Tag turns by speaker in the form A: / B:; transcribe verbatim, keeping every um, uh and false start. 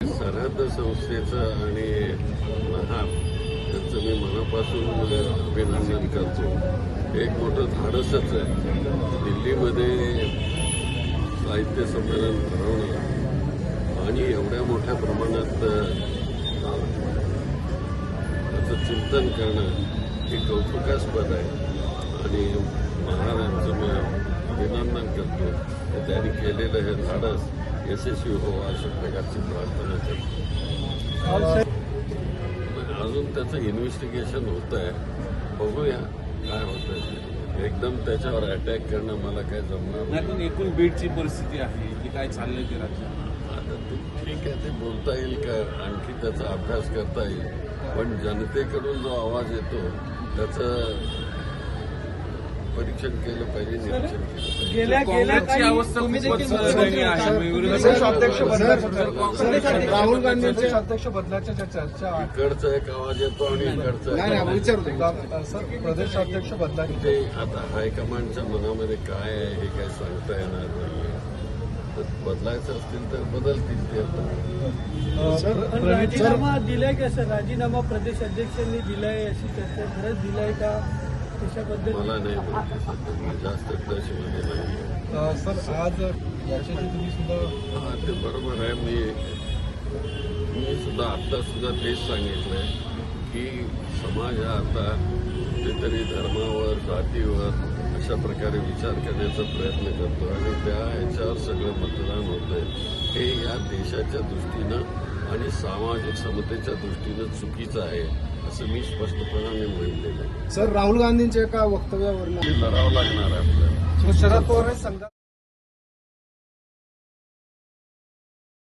A: सरहद्द संस्थेचं आणि महार त्यांचं मी मनापासून अभिनंदन करतो. एक मोठं धाडसच आहे. दिल्लीमध्ये साहित्य संमेलन भरवणं आणि एवढ्या मोठ्या प्रमाणात त्याचं चिंतन करणं हे कौतुकास्पद आहे आणि महाराजांचं मी अभिनंदन करतो. त्यांनी केलेलं हे धाडस यशस्वी हो अशा प्रकारची प्रार्थना करतो. अजून त्याचं इन्व्हेस्टिगेशन होत आहे, बघूया काय होतं. एकदम त्याच्यावर अटॅक करणं मला काय जमणार
B: नाही. पण एकूण बीडची परिस्थिती आहे की काय चाललंय ते राज्यात
A: आता ते ठीक आहे, ते बोलता येईल का, आणखी त्याचा अभ्यास करता येईल. पण जनतेकडून जो आवाज येतो त्याचं परीक्षण केलं पाहिजे, निरीक्षण केलं पाहिजे.
C: गेल्या गेल्या काही
B: अवस्था खूपच दयनीय आहे.
C: राहुल गांधींचे अध्यक्ष बदलाच्या चर्चा
A: इकडचा एक आवाज येतो आणि इकडचा
C: सर प्रदेशाध्यक्ष बदलाचे
A: ते आता हायकमांडच्या मनामध्ये काय आहे हे काय सांगता येणार नाही. बदलायचं असतील तर बदलतील ते आता.
C: राजीनामा दिलाय का सर? राजीनामा प्रदेश अध्यक्षांनी दिलाय अशी चर्चा खरंच दिलाय का? त्याच्याबद्दल
A: मला नाही माहिती सध्या, मी जास्त त्याच्यामध्ये नाही.
C: सर आज याच्याशी तुम्ही सुद्धा
A: हा ते बरोबर आहे. मी मी सुद्धा आत्ता सुद्धा तेच सांगितलंय की समाज हा आता कुठेतरी धर्मावर जातीवर अशा प्रकारे विचार करण्याचा प्रयत्न करतो आणि त्या ह्याच्यावर सगळं मतदान होतंय. हे या देशाच्या दृष्टीनं आणि सामाजिक समतेच्या दृष्टीनं चुकीचं आहे असं मी स्पष्टपणाने म्हणलेलं आहे.
C: सर राहुल गांधींच्या एका वक्तव्यावर
A: लढावं लागणार आहे आपल्याला.
C: शरद पवार